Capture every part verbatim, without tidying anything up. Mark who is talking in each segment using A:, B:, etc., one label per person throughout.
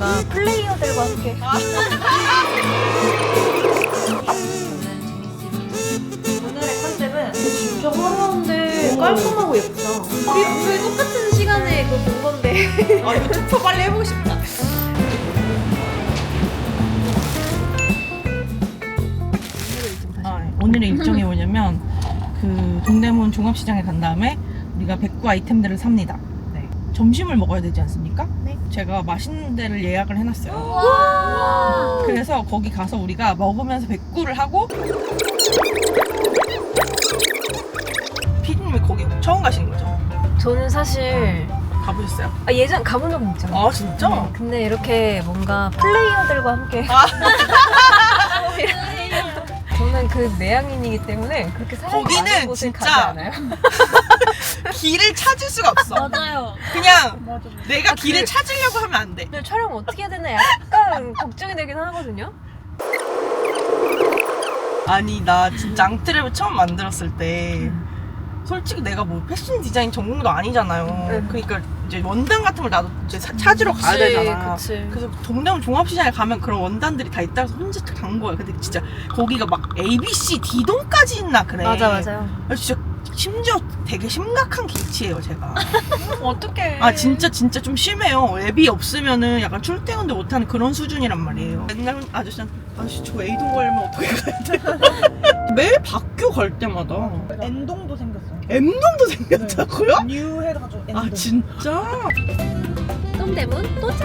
A: 뭔가 플레이어들과 함께. 오늘의 컨셉은 진짜 화려한데 깔끔하고 예쁘다. 우리 왜 똑같은 시간에 그거 본 건데.
B: 아 이거 투표 빨리 해보고 싶다. 아, 오늘의 일정이 뭐냐면 그 동대문 종합시장에 간 다음에 우리가 백구 아이템들을 삽니다. 네. 점심을 먹어야 되지 않습니까?
A: 네.
B: 제가 맛있는 데를 예약을 해놨어요.
A: 와.
B: 그래서 거기 가서 우리가 먹으면서 백구를 하고. 피디님이 거기 처음 가시는 거죠?
A: 저는 사실
B: 가보셨어요?
A: 아, 예전 가본 적은 있잖아.
B: 아 진짜?
A: 네, 근데 이렇게 뭔가 플레이어들과 함께.
B: 아.
A: 저는 그 내향인이기 때문에 그렇게 사람이
B: 거기는
A: 많은 곳을
B: 진짜
A: 가지 않아요.
B: 길을 찾을 수가 없어.
C: 맞아요.
B: 그냥
C: 맞아.
B: 내가
A: 아,
B: 길을
A: 그-
B: 찾으려고 하면 안 돼.
A: 근데 촬영 어떻게 해야 되나 약간 걱정이 되긴 하거든요.
B: 아니 나 진짜 앙트랩을 처음 만들었을 때 솔직히 내가 뭐 패션 디자인 전공도 아니잖아요.
A: 응.
B: 그러니까 이제 원단 같은 걸 나도 이제 사- 찾으러 가야 되잖아.
A: 그치.
B: 그래서 동대문 종합시장에 가면 그런 원단들이 다 있다 해서 혼자 간 거야. 근데 진짜 거기가 막 A, B, C, D동까지 있나 그래.
A: 맞아 맞아요.
B: 그래서 진짜 심지어 되게 심각한 길치예요 제가.
C: 어떡해.
B: 아 진짜 진짜 좀 심해요. 앱이 없으면은 약간 출퇴근도 못하는 그런 수준이란 말이에요. 맨날 아저씨한테 아저씨 저 A동 가려면 어떻게 가야 돼? 매일 바뀌어 갈 때마다
C: N동도 생겼어요.
B: M동도 생겼다고요?
C: 뉴 해가지고 N동.
B: 아 진짜?
A: 동대문 도착.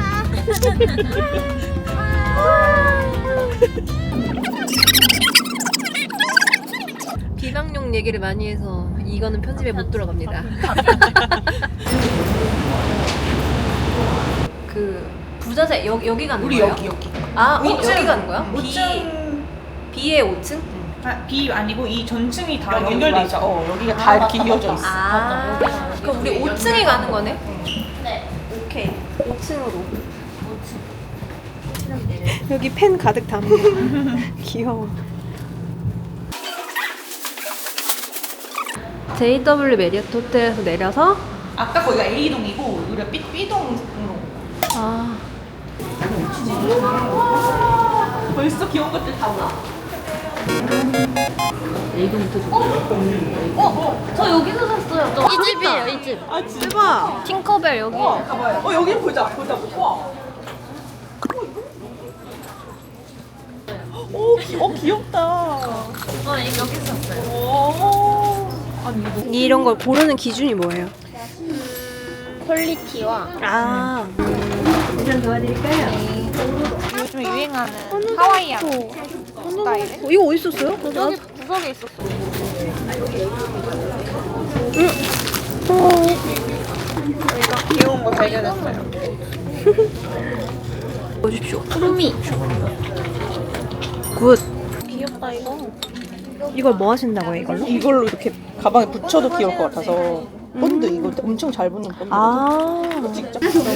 A: 비방용 얘기를 많이 해서 이거는 편집에 못 들어갑니다. 그 부자재 여, 여기 가는
B: 우리
A: 거예요?
B: 여기 여기
A: 아 어,
C: 오 층.
A: 여기 가는 거야?
C: 오
A: B
C: 층.
A: B의 오 층?
C: 아, B 아니고 이 전층이 다
B: 여기
C: 연결돼
B: 맞아.
C: 있어.
B: 어 여기가 다 이렇게 이어져 있어.
A: 아 그럼 우리 오 층에 가는 거네? 네. 오케이 오 층으로. 여기 펜 가득 담은 귀여워. 제이더블유 메리어트 호텔에서 내려서
B: 아까 거기가 A동이고 우리가 B, B동으로.
A: 아
B: 벌써 귀여운 것들 다 와.
C: 저 여기서 샀어요. 저.
A: 이 집이에요 이 집.
B: 아 진짜?
A: 대박. 팅커벨 여기.
B: 어, 가봐요. 어 여기 보자 보자 보자. 와. 오, 귀, 어 귀엽다.
C: 어, 여기서 샀어요.
B: 오. 아니 이거
A: 이런 걸 고르는 기준이 뭐예요?
C: 퀄리티와
A: 아
C: 요즘 유행하는 하와이안 스타일.
A: 어, 이거 어디 있었어요?
C: 구석에 구석에 있었어. 저희가 귀여운 거 발견했어요.
A: 보십시오.
C: 푸르미.
A: 굿.
C: 귀엽다 이거.
A: 이걸 뭐 하신다고요 이걸로?
B: 이걸로 이렇게 가방에 붙여도 귀여울 것 같아서 본드 이거 엄청 잘 붙는 본드.
A: 아
B: 진짜.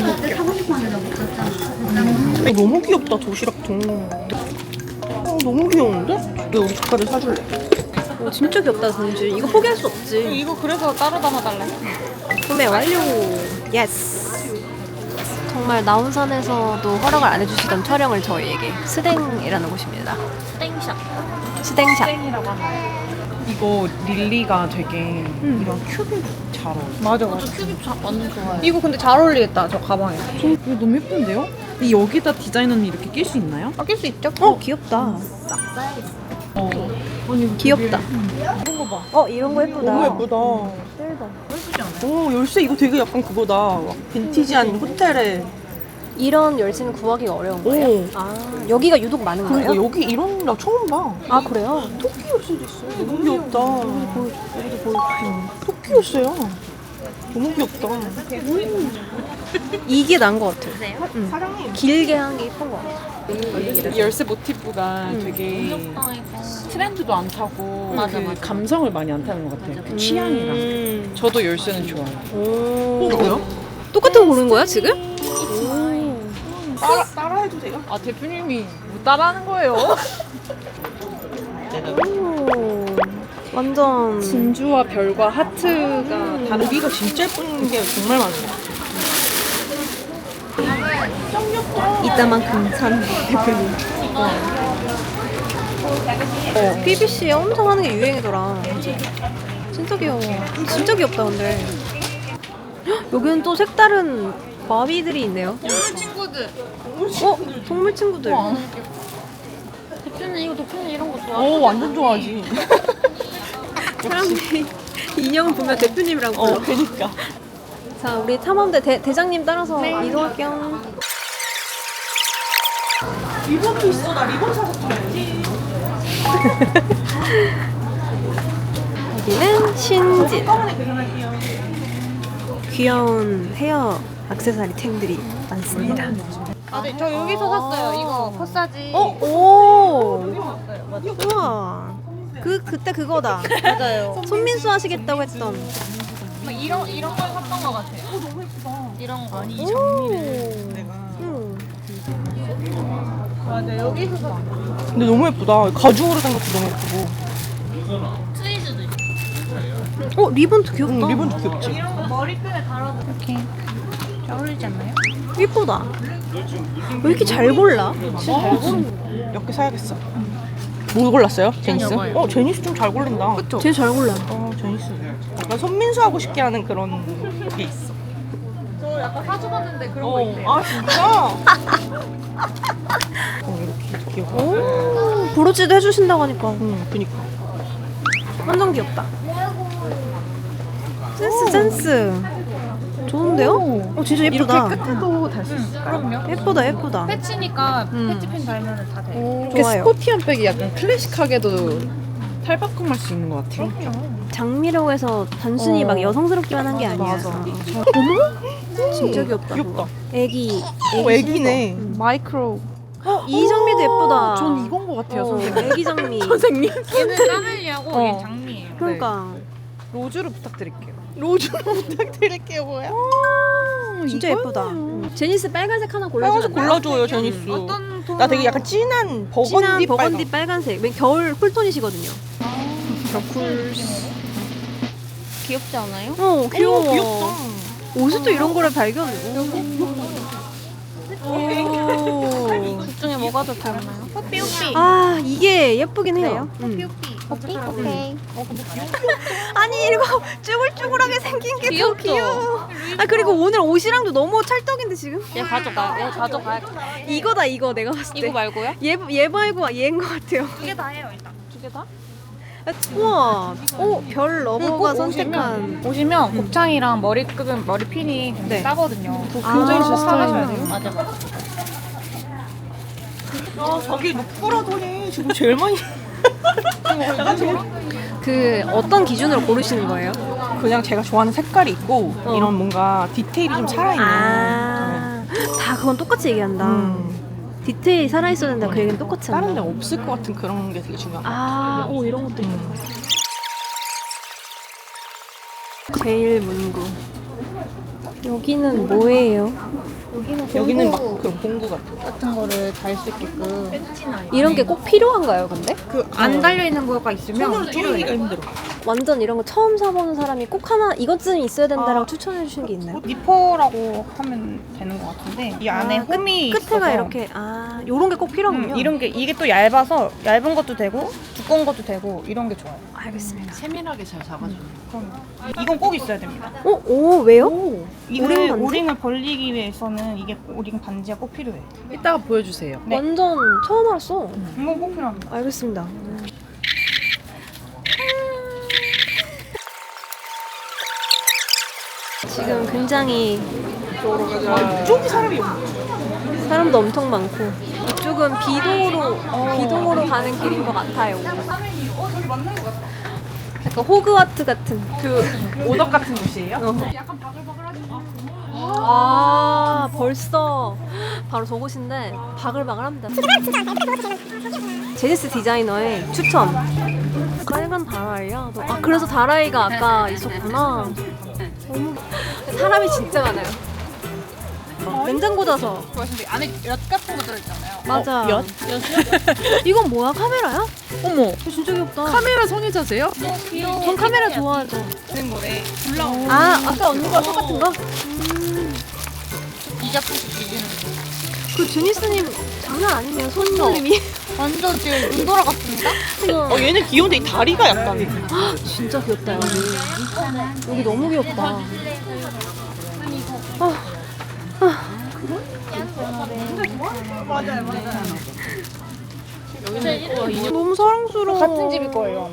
B: 어, 너무 귀엽다 도시락 통. 어, 너무 귀여운데? 내가 우리 조카를 사줄래.
A: 어, 진짜 귀엽다 진주. 이거 포기할 수 없지.
C: 이거 그래서 따로 담아달래.
A: 구매 완료. 예스. 정말 나온산에서도 허락을 안 해주시던 촬영을 저희에게 스댕이라는 곳입니다.
C: 땡샵.
A: 스댕샵.
C: 땡이라고 하나요?
D: 이거 릴리가 되게 이런 큐빅 잘 어울려.
C: 맞아 맞아. 큐빅 자, 완전 좋아요. 이거 근데 잘 어울리겠다 저 가방에.
D: 이거 너무 예쁜데요? 이 여기다 디자인은 이렇게 낄 수 있나요?
C: 아낄 수 있죠?
A: 어 귀엽다.
D: 어. 아니 이거
A: 귀엽다.
D: 이런 거 봐.
A: 어 이런 거 예쁘다.
B: 너무 예쁘다. 오 열쇠 이거 되게 약간 그거다. 막 빈티지한 호텔에.
A: 이런 열쇠는 구하기가 어려운 거예요?
B: 오.
A: 아 여기가 유독 많은
B: 그러니까
A: 거예요?
B: 여기 이런 나 처음 봐.
A: 아 그래요?
B: 토끼 열쇠도 있어. 너무 귀엽다. 여기 보여, 여기도 보여줄게. 토끼 열쇠야. 너무 귀엽다.
A: 이게 나은 것 같아요. 응.
B: 사랑해.
A: 길게 한 게 예쁜 것 같아요.
D: 이 열쇠 모티프가 되게 트렌드도 안 타고
C: 맞아,
D: 그
C: 맞아.
D: 감성을 많이 안 타는 것 같아요. 그 취향이랑.
A: 음.
D: 저도 열쇠는 좋아요.
A: 오.
B: 어, 뭐야?
A: 똑같은 거 고른 거야 지금?
B: 따라, 따라 해도 돼요?
D: 아 대표님이 뭐 따라하는 거예요?
A: 오. 완전
D: 진주와 별과 하트가
B: 여기가 진짜 예쁜 게 정말 많은 것 같아.
A: 이따만큼 산 대표님. 어, 피비씨 엄청 하는 게 유행이더라. 진짜 귀여워. 진짜 귀엽다 근데. 헉, 여기는 또 색다른 마비들이 있네요.
C: 동물 친구들.
A: 어? 동물 친구들.
C: 대표님 이거 대표님 이런 거 좋아?
B: 오 완전 좋아하지.
A: 사람들이 인형 보면 대표님이라고 불러.
B: 어 그니까.
A: 자, 우리 탐험대 대, 대장님 따라서 이동할게요.
B: 리본도 있어. 나 리본 사서 타야지.
A: 여기는 신진.
B: 한꺼번에 계산할게요.
A: 귀여운 헤어 액세서리 템들이 많습니다.
C: 아, 네, 저 여기서 샀어요. 이거 코사지.
A: 어? 오! 우와. 그, 그때 그거다.
C: 맞아요.
A: 손민수 하시겠다고 했던.
C: 막 이런 이런 걸 샀던 것 같아요.
B: 어 너무 예쁘다.
C: 이런 거.
B: 아니 이
A: 오.
B: 장미를 내가.
A: 응.
C: 맞아 여기서 샀어.
B: 근데 너무 예쁘다. 가죽으로 된 것도 너무 예쁘고.
C: 트위즈도 있어.
A: 어, 리본도 귀엽다.
B: 응, 리본도 귀엽지.
C: 이런 거 머리끈에 달아서 이렇게 잘 어울리지 않나요?
A: 예쁘다. 왜 이렇게 잘 골라?
B: 몇 개 사야겠어. 뭐 골랐어요? 제니스?
C: 이거요.
B: 어 제니스 좀 잘 골린다.
A: 그쵸? 제일 잘 골라.
B: 어 제니스. 약간 손민수 하고 싶게 하는 그런 게 있어.
C: 저 약간 사줘봤는데 그런 거
B: 어,
C: 있대요.
B: 아 진짜? 어 이렇게 귀엽다.
A: 오, 브로치도 해주신다고 하니까
B: 응, 그니까.
A: 완전 귀엽다. 센스, 센스. 좋은데요? 어, 진짜 예쁘다.
D: 끝에도 달 수 있어요.
C: 그럼요.
A: 예쁘다, 예쁘다.
C: 패치니까
A: 음.
C: 패치핀 달면은 다 돼.
D: 이렇게
A: 좋아요.
D: 스포티한 백이 약간 클래식하게도 탈바꿈할 수 있는 것 같아요.
A: 장미라고 해서 단순히
D: 어.
A: 막 여성스럽기만 한 게 아니야.
D: 맞아.
A: 어머? 진짜 귀엽다.
B: 귀엽다.
A: 애기.
B: 어 애기네.
D: 마이크로.
A: 이 장미도 예쁘다.
D: 전 이건 것 같아요,
A: 어,
D: 선생님.
A: 애기 장미.
D: 선생님.
C: 얘는 까멜리하고
D: 어.
C: 얘는 장미예요.
A: 그러니까
D: 로즈로 부탁드릴게요.
B: 로즈로 부탁드릴게요 뭐야?
A: 진짜 예쁘다. 제니스 빨간색 하나
B: 빨간색
A: 골라주면
B: 골라줘요 제니스.
C: 어떤 톤?
B: 나 되게 약간 진한 버건디
A: 진한 버건디
B: 빨간.
A: 빨간색. 맨 겨울 쿨톤이시거든요.
C: 귀엽지 않아요?
A: 어, 귀여워.
B: 오, 귀엽다.
A: 옷에 또 이런 거를 발견해. 오.
C: 둘 중에 뭐가 더 닮나요? 뽀삐 뽀삐.
A: 아, 이게 예쁘긴 해요.
C: 뽀삐
A: 음.
C: 뽀삐. 뽀삐 오케이.
A: 아니, 이거 쭈글쭈글하게 생긴 게 더
C: 귀엽죠?
A: 귀여워. 아, 그리고 오늘 옷이랑도 너무 찰떡인데 지금?
C: 얘 가져가. 얘 가져가.
A: 이거다, 이거 내가 봤을 때.
C: 이거 말고요?
A: 얘, 얘 말고 얘인 것 같아요.
C: 두 개 다 해요 일단. 두 개 다?
A: 아, 우와. 오, 별 러버가
C: 꼭
A: 선택한.
C: 오시면, 오시면 곱창이랑 머리끈 머리핀이 굉장히
A: 네.
C: 싸거든요.
A: 굉장히
C: 꼭
A: 스타일이네요.
C: 사가셔야 돼요. 맞아 맞아.
B: 아 자기 루프라더니 지금 제일 많이. 내가 지금
A: 그 어떤 기준으로 고르시는 거예요?
B: 그냥 제가 좋아하는 색깔이 있고
A: 어.
B: 이런 뭔가 디테일이 좀 살아있는.
A: 아, 다 그건 똑같이 얘기한다.
B: 음.
A: 디테일이 살아있어야 된다. 그 얘기는 똑같이 한다.
B: 다른 데 없을 것 같은 그런 게 되게 중요한 것 같아요.
A: 아, 오, 이런 것도 있다.
B: 음.
A: 제일 문구. 여기는 뭐예요?
B: 여기는 막 그런 공구 같은 거.
C: 같은 거를 달 수 있게끔.
A: 이런 게 꼭 필요한가요, 근데?
C: 안 달려 있는 거가 있으면
B: 손으로 쪼개기가 힘들어.
A: 완전 이런 거 처음 사보는 사람이 꼭 하나 이것쯤 있어야 된다라고
C: 아.
A: 추천해 주시는 게 있나요?
C: 니퍼라고 하면 되는 것 같은데 이 안에
A: 아, 끝-
C: 홈이
A: 끝에가
C: 있어서
A: 이렇게 아 요런 게 꼭 필요하군요.
C: 음, 이런 게 이게 또 얇아서 얇은 것도 되고 두꺼운 것도 되고 이런 게 좋아요.
A: 알겠습니다.
D: 세밀하게 잘 잡아주는.
C: 그럼 이건 꼭 있어야 됩니다.
A: 어, 오 왜요?
C: 이걸
A: 오링 반지?
C: 오링을 벌리기 위해서는 이게 오링 반지가 꼭 필요해.
D: 이따가 보여주세요.
C: 네.
A: 완전 처음 알았어.
C: 이건 꼭 필요합니다.
A: 알겠습니다. 지금 굉장히
B: 이쪽이 사람이 없네.
A: 사람도 엄청 많고 이쪽은 비동으로 비동으로 가는 길인 것 같아요. 약간 호그와트 같은.
B: 그 오덕 같은 곳이에요?
A: 어. 아 벌써 바로 저곳인데 바글바글합니다. 제니스 디자이너의 추천. 빨간 다라이야? 너- 아 그래서 다라이가 아까 있었구나. 너무 사람이 진짜 많아요. 냉장고 져서
C: 근데 안에 엿 같은 거 들어있잖아요.
A: 맞아.
D: 엿?
A: 이건 뭐야? 카메라야?
D: 어머,
A: 이거 진짜 귀엽다.
D: 카메라 성애자세요?
C: 귀여워.
A: 전 카메라 좋아하죠.
B: 되는 거래.
A: 아 아까 언니가 똑같은 거?
C: 이 작품씩 비비는 거.
A: 그 제니스님 장난 아니네요. 손놀림이.
C: 완전 지금 눈 돌아갔습니다.
B: 어 얘는 귀여운데 이 다리가 약간
A: 진짜 귀엽다 여기. 여기 너무 귀엽다. 아, 아. 너무 사랑스러워.
C: 같은 집일 거예요.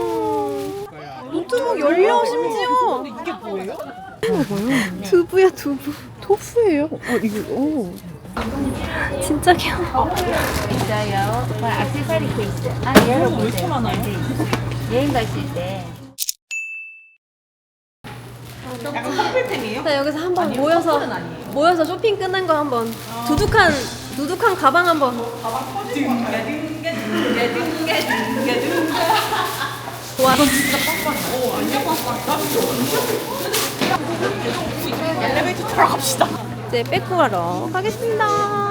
A: 노트북 열려 심지어.
B: 이게 뭐예요?
A: 두부야 두부.
B: 토프예요? 어 이거 오.
A: 진짜 귀여워.
E: 있어요. 뭐 액세서리 케이스. 아,
B: 왜 이렇게 많아요?
E: 여행 가실 때.
B: 약간 커플템이에요?
A: 자 여기서 한번 모여서 모여서 쇼핑 끝난 거 한번 두둑한 두둑한 가방 한번. 와 진짜
B: 엘리베이터 타러 갑시다.
A: 이제 빼고 가러 가겠습니다.